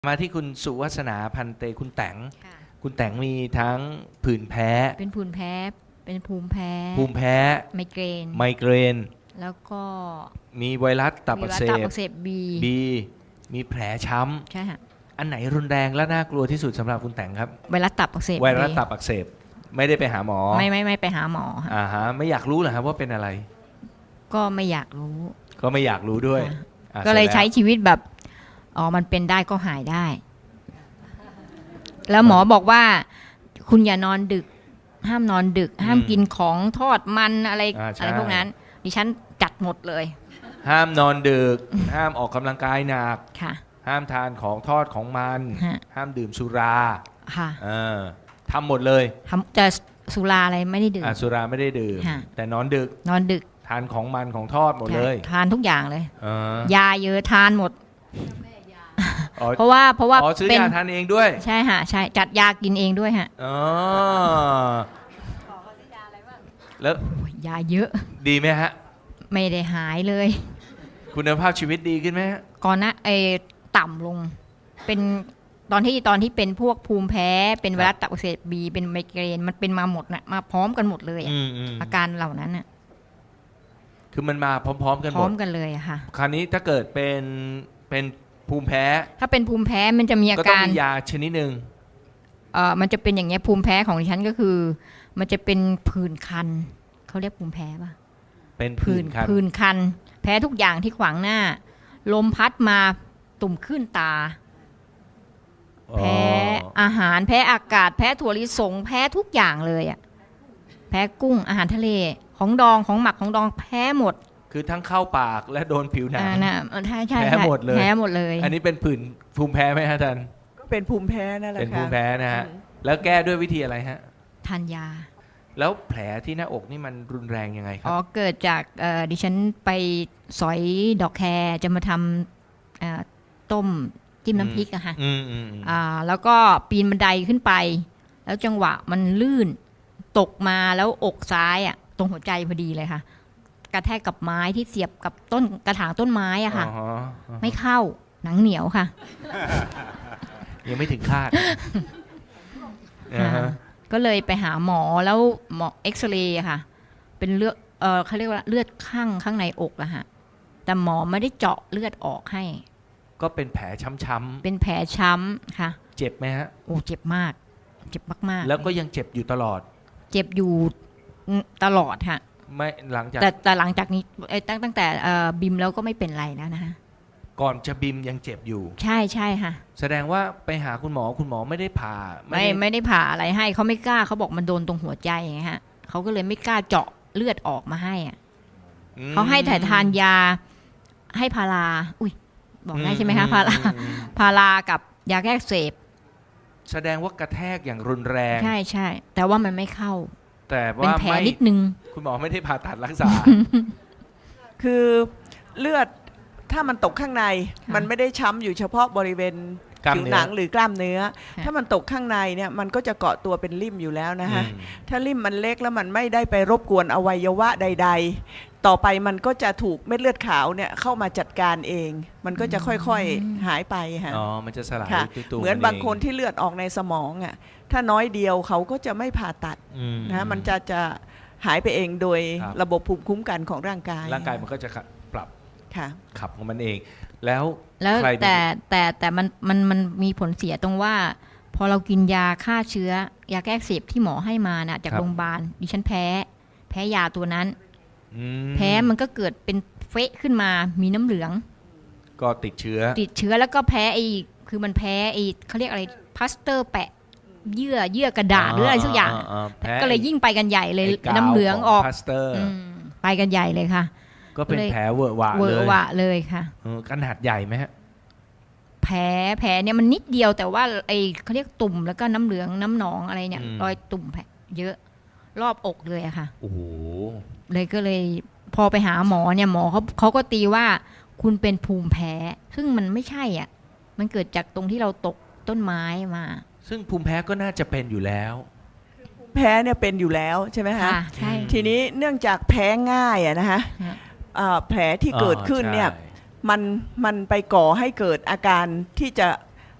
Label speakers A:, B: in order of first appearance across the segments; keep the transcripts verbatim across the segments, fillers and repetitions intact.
A: มาที่คุณสุวัสนาพันเตคุณแตง
B: ค่ะ
A: คุณแตงมีทั้งผื่นแพ้
B: เป็นผื่นแพ้เป็นภูมิแพ้
A: ภูมิแพ้
B: ไมเกรน
A: ไมเกรน
B: แล้วก็
A: มีไวรัสตับอักเส
B: มีวัณตั
A: บ
B: อักเสบบี
A: บีมีแผลช้ำ
B: ใช่ค่ะ
A: อันไหนรุนแรงและน่ากลัวที่สุดสำหรับคุณแตงครับ
B: ไวรัสตับอักเสบ
A: ไวรัส
B: บี
A: ตับอักเสบไม่ได้ไปหาหมอ
B: ไม่ไม่ไม่ไปหาหมอค่ะ
A: อ่าฮะไม่อยากรู้เหรอครับว่าเป็นอะไร
B: ก็ไม่อยากรู้
A: ก็ไม่อยากรู้ด้วย
B: ค่ะ
A: อ่ะ
B: ก็เลย
A: สร็จแว
B: ใช้ชีวิตแบบอ๋อมันเป็นได้ก็หายได้ แล้วหมอบอกว่า คุณอย่านอนดึก ห้ามนอนดึก ห้ามกินของทอดมันอะไร
A: อ่าใช่
B: อะไรพวกนั้น ดิฉันจัดหมดเลย
A: ห้ามนอนดึก ห้ามออกกำลังกายหนัก
B: ค่ะ
A: ห้ามทานของทอดของมัน
B: ฮะ
A: ห้ามดื่มสุรา
B: ค่ะ
A: เออทำหมดเลย
B: ทำจะสุราอะไรไม่ได้ดื่ม
A: อ่ะสุราไม่ได้ดื่ม
B: ฮะ
A: แต่นอนดึก
B: นอนดึก
A: ทานของมันของทอดหมดเลย
B: ทานทุกอย่างเลย
A: เออย
B: าเยอะทานหมด
A: อ๋อ
B: เพราะว่าเพราะว่า
A: อ๋อซื้อ
B: เป็น
A: ยาทานเองด้วย
B: ใช่ฮะใช่จัดยากินเองด้วยฮะ
A: อ๋อแล้ว
B: โอ้ยยาเยอะ
A: ดีไหมฮะ
B: ไม่ได้หายเลย
A: คุณภาพชีวิตดีขึ้นไหมฮะ
B: ก่อนหนะเออต่ำลง เป็นตอนที่ตอนที่เป็นพวกภูมิแพ้ เป็นไวรัสตับอักเสบบีเป็นไมเกรนมันเป็นมาหมดนะมาพร้อมกันหมดเลยอะ
A: อืมอืม
B: อาการเหล่านั้นน่ะ
A: คือมันมาพร้อม ๆ กัน
B: พ
A: หม
B: ร้อ
A: ด
B: มกันเลยอะค่ะ
A: คราวนี้ถ้าเกิดเป็นเป็นภูมิแพ้
B: ถ้าเป็นภูมิแพ้มันจะมีอา
A: ก็ต้อง
B: การ
A: มียาชนิดหนึ่ง
B: เออมันจะเป็นอย่างเงี้ยภูมิแพ้ของดิฉันก็คือ มันจะเป็นผื่นคันเขาเรียกภูมิแพ้ป่ะ
A: เป็นผื่
B: ผื่
A: น
B: น
A: คัน
B: ผื่นคัน แพ้ทุกอย่างที่ขวางหน้า ลมพัดมาตุ่มขึ้นตา
A: อ๋อ
B: แพ้อาหารแพ้อากาศ แพ้ถั่วลิสง แพ้ทุกอย่างเลยอ่ะแพ้กุ้งอาหารทะเลของดองของหมักของดองแพ้หมด
A: คือทั้งเข้าปากและโดนผิวหนัง
B: อ่านะใช่ใช่
A: แพ้
B: ใช่
A: หมดเลย
B: แพ้หมดเลย
A: อันนี้เป็นผื่นภูมิแพ้ไหมฮะอาจารย์
C: ก็เป็นภูมิแพ้นั่นแหละ
A: เป็น
C: ค่ะ
A: ภูมิแพ้นะฮะ
C: อืม
A: แล้วแก้ด้วยวิธีอะไรฮะ
B: ทานยา
A: แล้วแผลที่หน้าอกนี่มันรุนแรงยังไงครั
B: อ๋อบ เกิดจากเอ่อดิฉันไปสอยดอกแครจะมาทำเอ่อต้มจิ้มน้ำพริกอะค่ะ
A: อืมอืมอืม
B: อ่าแล้วก็ปีนบันไดขึ้นไป แล้วจังหวะมันลื่นตกมาแล้วอกซ้ายอ่ะตรงหัวใจพอดีเลยค่ะ กระแทกกับไม้ที่เสียบกับต้นกระถางต้นไม้อ่ะค่ะ
A: อ๋อฮะ
B: ไม่เข้าหนังเหนียวค่ะ
A: ยังไม่ถึงคาดอ่าฮะ
B: ก็เลยไปหาหมอแล้วหมอเอ็กซเรย์อะค่ะ เป็นเลือดเออเขาเรียกว่าเลือดข้างข้างในอกอะฮะแต่หมอไม่ได้เจาะเลือดออกให้
A: ก็เป็นแผลช้ำ
B: เป็นแผลช้ำค่ะ
A: ๆเจ็บไหมฮะ
B: โอ้เจ็บมาก เจ็บมากๆ
A: แล้วก็ยังเจ็บอยู่ตลอด
B: เจ็บอยู่ตลอดค่ะ
A: ไม่หลังจาก
B: แต่แต่หลังจากนี้เอ้ยตั้งตั้งแต่เอ่อบิมแล้วก็ไม่เป็นไรแล้วนะฮะ
A: ก่อนจะบิมยังเจ็บอยู่
B: ใช่ใช่ค่ะ
A: แสดงว่าไปหาคุณหมอคุณหมอไม่ได้ผ่า
B: ไม่
A: ได้
B: ไม่ได้ผ่าอะไรให้เขาไม่กล้าเขาบอกมันโดนตรงหัวใจไงฮะเขาก็เลยไม่กล้าเจาะเลือดออกมาให้อะ
A: อืม
B: เขาให้ถ่ายทานยาให้พาราอุ้ยบอกได้ใช่ไหมคะพารา
A: อืมอืม
B: พารากับยาแก้อักเสบ
A: แสดงว่ากระแทกอย่างรุนแรง
B: ใช่ใช่แต่ว่ามันไม่เข้า
A: แต่
B: เป็น
A: ว่า
B: แผล
A: ไม่
B: นิดนึง
A: คุณหมอไม่ได้ผ่าตัดรักษา
C: คือเลือดถ้ามันตกข้างใน
B: ค่ะ
C: มันไม่ได้ช้ำอยู่เฉพาะบริเวณ
A: กล้าม
C: ผิว
A: เนื้อ
C: หนังหรือกล้ามเนื้อ
B: ค่ะ
C: ถ้ามันตกข้างในเนี่ยมันก็จะเกาะตัวเป็นริ่มอยู่แล้วนะฮะ
A: อืม
C: ถ้าริ่มมันเล็กแล้วมันไม่ได้ไปรบกวนอวัยวะใด ๆ ต่อไปมันก็จะถูกเม็ดเลือดขาวเนี่ยเข้ามาจัดการเอง มันก็จะค่อยๆหายไปฮะ
A: อ๋อมันจะสลาย
C: ค่ะ
A: ด้วยตัว
C: เหมือนบางคนที่เลือดออกในสมองอ่ะถ้าน้อยเดียวเขาก็จะไม่ผ่าตัด
A: อื
C: นะฮะมันจะจะหายไปเองโดย
A: ครับ
C: ระบบภูมิคุ้มกันของร่างกาย
A: ร่างกายมันก็จะปรับ
C: ค่ะ
A: ขับของมันเอง แล้ว
B: แล้ว
A: ใครเป็น
B: แต่แต่แต่มันมันมันมีผลเสียตรงว่า พอเรากินยาฆ่าเชื้อยาแก้อักเสบที่หมอให้มาน่ะจากโรงพยาบาลดิฉันแพ้ แพ้ยาตัวนั้น
A: อืม
B: แพ้มันก็เกิดเป็นเฟะขึ้นมามีน้ำเหลือง
A: ก็ติดเชื้อ
B: ติดเชื้อแล้วก็แพ้ไอ้คือมันแพ้ไอ้เขาเรียกอะไรพลาสเตอร์แปะ เยื่อเยื่อกระดาษหรืออะไรสักอย่าง
A: แพ้
B: ก็เลยยิ่งไปกันใหญ่เลย
A: ไอ้กาว
B: น้ำเหลืองออก
A: ขพลาสเตอร์
B: อืมไปกันใหญ่เลยค่ะ
A: ก็เป็น
B: เลย
A: แผลเวอะหวะ
B: เวอ
A: เลย
B: ร์วะเลยค่ะ
A: เออขนาดใหญ่ไหมฮะ
B: แผลแผลเนี่ยมันนิดเดียวแต่ว่าไอ้เขาเรียกตุ่มแล้วก็น้ำเหลืองน้ำหนองอะไรเนี่ย
A: อืม
B: รอยตุ่มแผลเยอะรอบอกเลยอะค่ะ
A: โอ้โห
B: เลยก็เลยพอไปหาหมอเนี่ยหมอเขาเขาก็ตีว่าคุณเป็นภูมิแพ้ ซึ่งมันไม่ใช่อ่ะ มันเกิดจากตรงที่เราตกต้นไม้มา
A: ซึ่งภูมิแพ้ก็น่าจะเป็นอยู่แล้ว
C: แพ้เนี่ยเป็นอยู่แล้วใช่ไหมคะ
B: ค่ะใช่
C: ทีนี้เนื่องจากแพ้ง่ายอะนะคะ
B: ฮะ
C: อ่าแผลที่เกิดขึ้นเนี่ย
A: อ๋อใช่
C: มันมันไปก่อให้เกิดอาการที่จะ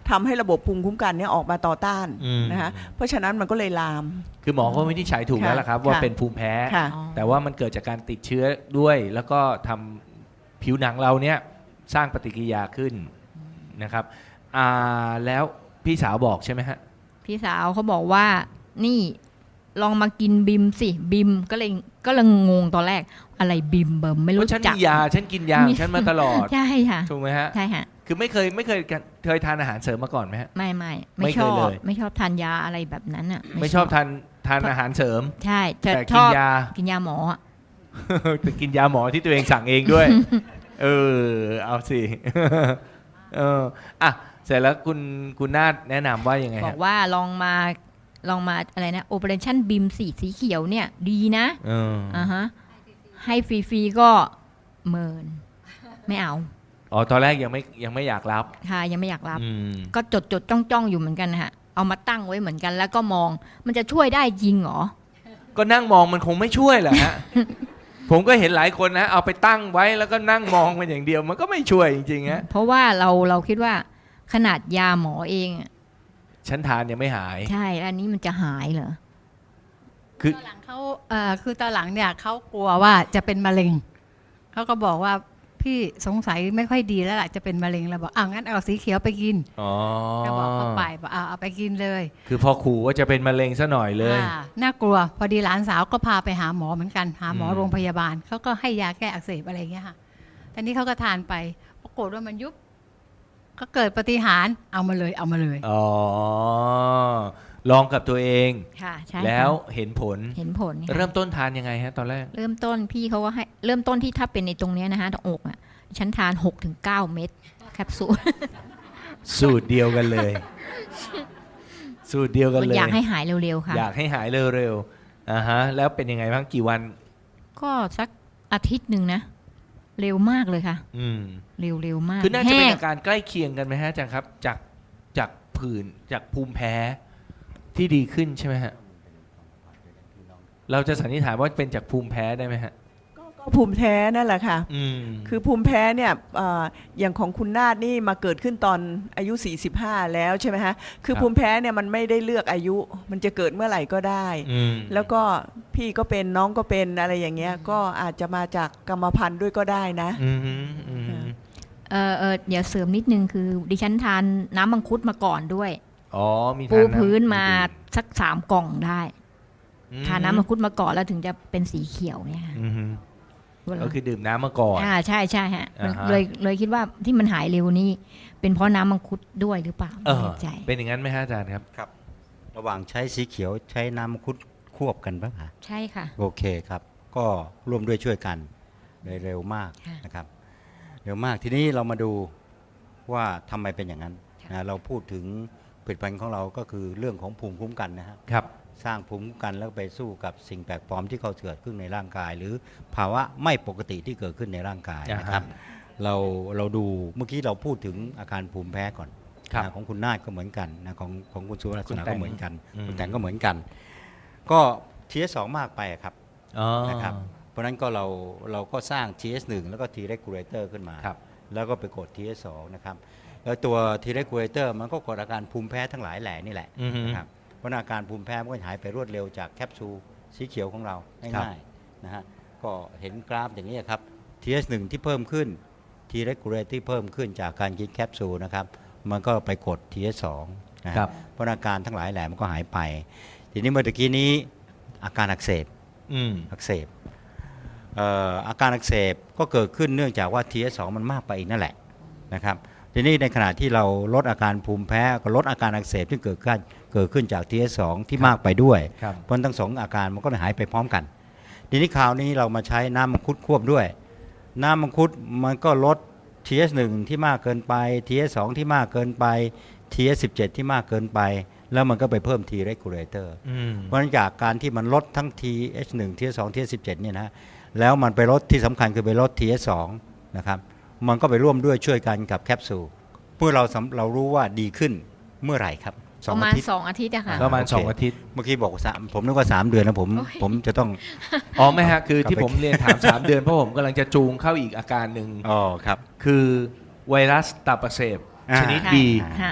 C: ทำให้ระบบภูมิคุ้มกันเนี่ยออกมาต่อต้าน
A: อืม
C: นะคะเพราะฉะนั้นมันก็เลยลาม
A: คือหมอก็วินิจฉัยถูก
C: ค่ะ
A: แล้วล่ะครับ ว่า
C: ค่ะ
A: เป็นภูมิแพ้
C: ค่ะ
B: อ๋อ
A: แต่ว่ามันเกิดจากการติดเชื้อด้วย แล้วก็ทำผิวหนังเราเนี่ยสร้างปฏิกิริยาขึ้นนะครับอ่าแล้วพี่สาวบอกใช่ไหมฮะ
B: พี่สาวเขาบอกว่า นี่ลองมากินบิมสิบิมก็เลยก็เลยงงตอนแรกอะไรบิมเบิมไม่
A: เพ
B: รู้
A: ราะฉัน
B: จัก
A: มียาฉันกินยาของฉันมาตลอด
B: ใช่ค่ะ
A: ถูกไหมฮะ
B: ใช่ค่ะ
A: คือไม่เคยไม่เคยเคยทานอาหารเสริมมาก่อนไหมฮะ
B: ไม่ไม่
A: ไม่
B: ไม่
A: เค
B: ช
A: ย
B: อบ
A: เลย
B: ไม่ชอบทานยาอะไรแบบนั้นอ่ะ
A: ไม่ชอบทานทานอาหารเสริม
B: ใช่จะ
A: แต่
B: ช
A: กิน
B: อบ
A: ยา
B: กินยาหมออะ
A: แต่กินยาหมอที่ตัวเองสั่งเองด้วย เออ เอาสิ เอออ่ะเสร็จแล้วคุณคุณนาฏแนะนำว่ายังไง
B: บอ
A: ฮะ
B: กว่าลองมาลองมาอะไรนะ Operation BIM สีสีเขียวเนี่ย ดีนะ
A: เออ
B: อ่าฮะให้ฟรีๆก็เมิน ไม่เอา
A: อ๋อตอนแรกยังไม่ยังไม่อยากรับ
B: ค่ะยังไม่อยากรับ
A: อืม
B: ก็จดจดจ้องจ้องๆอยู่เหมือนกันนะฮะเอามาตั้งไว้เหมือนกันแล้วก็มองมันจะช่วยได้จริงเหรอ
A: ก็นั่งมองมันคงไม่ช่วยแหละฮะ ผมก็เห็นหลายคนนะ เอาไปตั้งไว้แล้วก็นั่งมองมันอย่างเดียว มันก็ไม่ช่วยจริงๆฮะ
B: เพราะว่าเราเราคิดว่าขนาดยาหมอเองอะ
A: ฉันทานยังไม่หาย
B: ใช่แล้วอันนี้มันจะหายเหรอ
A: คือ
D: ตอนหลังเขาเอ่อคือตอนหลังเนี่ยเขากลัวว่าจะเป็นมะเร็งเขาก็บอกว่าพี่สงสัยไม่ค่อยดีแล้วล่ะจะเป็นมะเร็งแล้วบอกอ้าวงั้นเอาสีเขียวไปกิน
A: อ๋อ
D: ก็บอกเขาไปบอกเอาเอาไปกินเลย
A: คือพอขู่ว่าจะเป็นมะเร็งซะหน่อยเลย
D: อ่าน่ากลัวพอดีหลานสาวก็พาไปหาหมอเหมือนกันหาหมอ
A: อืม
D: โรงพยาบาลเขาก็ให้ยาแก้อักเสบอะไรอย่างเงี้ยค่ะตอนนี้เขาก็ทานไปปรากฏว่ามันยุบก็เกิดปาฏิหารย์เอามาเลยเอามาเลย
A: อ๋อ ลองกับตัวเอง
B: ค่ะใช่ค่ะ
A: แล้วเห็นผล
B: เห็นผลค่ะ
A: เริ่มต้นทานยังไงฮะตอนแรก
B: เริ่มต้นพี่เขาก็ให้เริ่มต้นที่ถ้าเป็นในตรงเนี้ยนะคะตรงอกอ่ะฉันทานหกถึงเก้าเม็ดแคปซูล
A: สูตรเดียวกันเลย สูตรเดียวกันเลย
B: อยากให้หายเร็วๆค่ะ
A: อยากให้หายเร็วๆอ่าฮะ แล้วเป็นยังไงบ้างกี่วัน
B: ก็สักอาทิตย์หนึ่งนะ เร็วมากเลยค่ะ
A: อืม
B: เร็วเร็วมาก
A: คือน่าจะเป็น
B: แห้ง
A: อาการใกล้เคียงกันไหมฮะอาจารย์ครับ จากจากผื่นจากภูมิแพ้ที่ดีขึ้นใช่ไหมฮะ เราจะสันนิษฐานว่าเป็นจากภูมิแพ้ได้ไหมฮะ
C: ก็ภูมิแพ้นั่นแหละค่ะ
A: อืม
C: คือภูมิแพ้เนี่ยเอ่ออย่างของคุณนาฏนี่มาเกิดขึ้นตอนอายุ สี่สิบห้า แล้วใช่ไหมฮะ คือ
A: ครับ
C: ภูมิแพ้เนี่ยมันไม่ได้เลือกอายุ มันจะเกิดเมื่อไหร่ก็ได้
A: อืม
C: แล้วก็พี่ก็เป็นน้องก็เป็นอะไรอย่างเงี้ย ก็อาจจะมาจากกรรมพันธุ์ด้วยก็ได้นะ
A: อืมอืม
B: เออเออเดี๋ยวเสริมนิดนึงคือ ดิฉันทานน้ำมังคุดมาก่อนด้วย
A: อ๋อมี
B: ปู
A: ทานำ
B: พื้นมาสักสามกล่องได้
A: อื
B: ทานน้ำมังคุดมาก่อนแล้วถึงจะเป็นสีเขียวเนี่ยค่ะ
A: อืม
B: เวลา
A: ก็คือดื่มน้ำมาก่อน
B: อ่าใช่ใช่ฮะ
A: อ่าฮะ
B: เลยเลยคิดว่าที่มันหายเร็วนี่เป็นเพราะน้ำมังคุดด้วยหรือเปล่า
A: เอ
B: ไม่
A: อ
B: แน่ใจ
A: เป็นอย่างนั้นไหมฮะอาจารย์ครับ
E: ครับระหว่างใช้สีเขียวใช้น้ำมังคุดควบกันปะคะ
B: ใช่ค่ะ
E: โอเคครับ ก็ร่วมด้วยช่วยกันเลยเร็วมาก
B: ค่ะ
E: นะครับเร็วมากทีนี้เรามาดูว่าทำไมเป็นอย่างนั้น
B: ค่ะ
E: นะเราพูดถึงผลิตภัณฑ์ของเราก็คือเรื่องของภูมิคุ้มกันนะฮะ
A: ครับ
E: สร้างภูมิคุ้มกันแล้วไปสู้กับสิ่งแปลกปลอมที่เขาเกิดขึ้นในร่างกาย หรือภาวะไม่ปกติที่เกิดขึ้นในร่างกายนะครับ เราเราดูเมื่อกี้เราพูดถึงอาการภูมิแพ้ก่อน
A: ครับ
E: นะของคุณนาฏก็เหมือนกันนะของของคุณสุรัต
A: คุณ
E: นา
A: แตง
E: ก็เหมือนกัน
A: อืม
E: คุณแตงก็เหมือนกัน ก็ ที เอส สอง มากไปอะครับ
A: อ๋อ
E: นะครับเพราะฉะนั้นก็เราเราก็สร้าง ที เอส หนึ่ง แล้วก็ T regulator ขึ้นมา
A: ครับ
E: แล้วก็ไปกด ที เอส สอง นะครับแล้วตัว T regulator มันก็กดอาการภูมิแพ้ทั้งหลายแหล่นี่แหละ
A: อือฮึ
E: นะครับเพราะอาการภูมิแพ้มันก็หายไปรวดเร็วจากแคปซูลสีเขียวของเรา
A: ครับ
E: ง่ายๆนะฮะก็เห็นกราฟอย่างนี้ครับ ที เอส หนึ่ง ที่เพิ่มขึ้น T regulator ที่เพิ่มขึ้นจากการกินแคปซูลนะครับมันก็ไปกด ที เอส สอง นะฮะ
A: ครับ
E: เพราะอาการทั้งหลายแหล่มันก็หายไป ทีนี้เมื่อตะกี้นี้อาการอักเสบ
A: อืม
E: อักเสบเอ่ออาการอักเสบก็เกิดขึ้นเนื่องจากว่า ที เอส สอง มันมากไปอีกนั่นแหละนะครับทีนี้ในขณะที่เราลดอาการภูมิแพ้ก็ลดอาการอักเสบที่เกิดขึ้นเกิดขึ้นจาก ที เอส สอง ที่มากไปด้วย
A: ครับ
E: เพราะทั้งสองอาการมันก็เลยหายไปพร้อมกัน ทีนี้คราวนี้เรามาใช้น้ำมังคุดควบด้วย น้ำมังคุดมันก็ลด ที เอส หนึ่ง ที่มากเกินไป ที เอส สอง ที่มากเกินไป ที เอส สิบเจ็ด ที่มากเกินไป แล้วมันก็ไปเพิ่ม T regulator
A: อืม
E: เพราะฉะนั้นจากการที่มันลดทั้ง ที เอช หนึ่ง ที เอช สอง ที เอช สิบเจ็ด เนี่ยนะแล้วมันไปลดที่สำคัญคือไปลด ที เอช สอง นะครับมันก็ไปร่วมด้วยช่วยกันกับแคปซูลเพื่อเราสำเรารู้ว่าดีขึ้นเมื่อไหร่ครับส
B: ป
E: อง
B: ระ
E: อา
B: มาณ
E: ทิตย์
B: สองอาทิตย์อะค่ะ
A: ประมาณ
E: โอเค
A: สองอาทิตย์
E: เมื่อกี้บอกสามผมนึกว่าสามเดือนนะผม
B: โอ้ย
E: ผมจะต้อง
A: อ๋อไม่ฮะ คือที่
E: กลับไป
A: ผมเรียนถาม สามเดือนเพราะผมกำลังจะจูงเข้าอีกอาการหนึ่ง
E: อ๋อครับ
A: คือไวรัสตับอักเสบ
E: อ่า
A: ชนิด
B: ค่ะ
A: บี
E: อ่า
B: ค่ะ
E: ครับ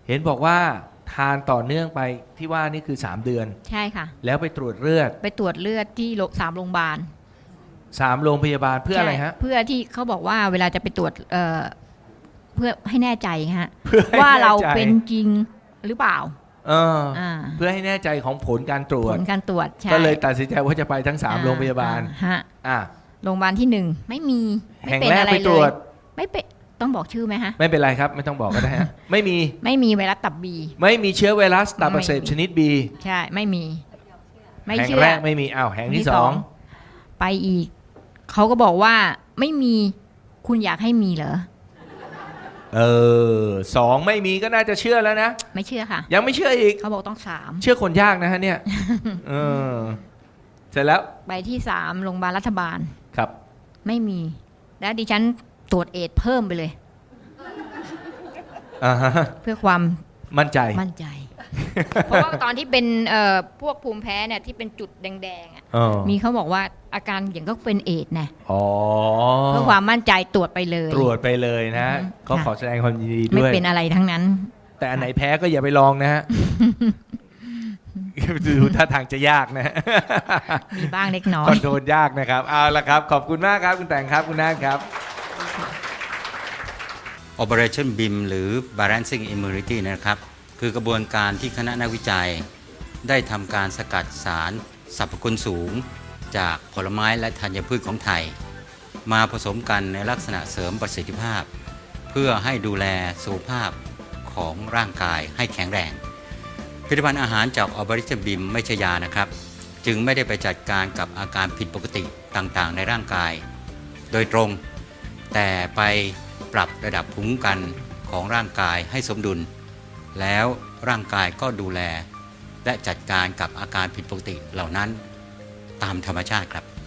A: เห็นบอกว่าทานต่อเนื่องไปที่ว่านี่คือสามเดือน
B: ใช่ค่ะ
A: แล้วไปตรวจเลือด
B: ไปตรวจเลือดที่โรงสามโรงพยาบาล
A: สามโรงพยาบาลเพื่ออะไรฮะ
B: ใช่เพื่อที่เขาบอกว่าเวลาจะไปตรวจเอ่อเพื่อให้แน่ใจฮะ
A: เพื่อให้
B: ว่าเรา
A: แน่ใจ
B: เป็นจริงหรือเปล่า
A: เออ
B: อ่า
A: เพื่อให้แน่ใจของผลการตรว
B: ผ
A: จ
B: ลการตรวจใช่
A: ก็เลยตัดสินใจว่าจะไปทั้งสาม
B: อ่
A: โรงพยาบาล
B: อ่ฮะ
A: อ่ะ
B: โรงพยาบาลที่หนึ่งไม่มีไม่
A: แห่ง
B: เป็น
A: แรก
B: อะไร
A: ไป
B: เล
A: ตรวย จ
B: ไม่เป็นต้องบอกชื่อไหมฮะ
A: ไม่เป็นไรครับ ไม่ต้องบอกก็ได้ฮะ ไม่มี
B: ไม่มีไวรัสตับบี
A: ไม่มีเชื้อไวรัสตับอักเสบ
B: ไม่มี
A: ชนิด B
B: ใช่ไม่มี ไม่
A: แห่ง
B: เชื่อ
A: แรกไม่มีอ้าวแห่งที่สอง
B: ไปอีก เขาก็บอกว่าไม่มีคุณอยากให้มีเหรอ
A: เออสองไม่มีก็น่าจะเชื่อแล้วนะ
B: ไม่เชื่อค่ะ
A: ยังไม่เชื่ออีก
B: เขาบอกต้องสาม
A: เชื่อคนยากนะฮะเนี่ย เออเสร็จแล้ว
B: ไปที่สามโรงพยาบาลรัฐบาล
A: ครับ
B: ไม่มี แล้วดิฉันตรวจเอดส์เพิ่มไปเลย
A: อ่าฮะ
B: เพื่อความ
A: มั่นใจ
B: มั่นใจ เพราะว่าตอนที่เป็นเอ่อพวกภูมิแพ้เนี่ยที่เป็นจุดแดงๆอ่ะ
A: เออ
B: มีเขาบอกว่าอาการอย่างก็เป็นเอดส์นะ
A: อ๋อ
B: เพื่อความมั่นใจตรวจไปเลย
A: ตรวจไปเลยนะ
B: อืม
A: ก็
B: ค่ะ
A: ขอแสดงความยินดี
B: ไม่
A: ด้วย
B: เป็นอะไรทั้งนั้น
A: แต่อันไหนแพ้ก็อย่าไปลองนะฮะ ดูท่าทางจะยากนะ
B: มีบ้างเล็กน้อ
A: คอย นโทรลยากนะครับ เอาละครับ ขอบคุณมากครับ คุณแต่งครับ คุณนาฏครับ
E: Operation บี ไอ เอ็ม หรือ Balancing Immunity นะครับ คือกระบวนการที่คณะนักวิจัย ได้ทำการสกัดสารสรรพคุณสูง จากผลไม้และธัญพืชของไทย มาผสมกันในลักษณะเสริมประสิทธิภาพ เพื่อให้ดูแลสุขภาพของร่างกายให้แข็งแรง ผลิตภัณฑ์อาหารจาก Operation บี ไอ เอ็ม ไม่ใช่ยานะครับ จึงไม่ได้ไปจัดการกับอาการผิดปกติต่างๆ ในร่างกาย โดยตรง แต่ไปปรับระดับภูมิคุ้มกันของร่างกายให้สมดุล แล้วร่างกายก็ดูแล และจัดการกับอาการผิดปกติเหล่านั้นตามธรรมชาติครับ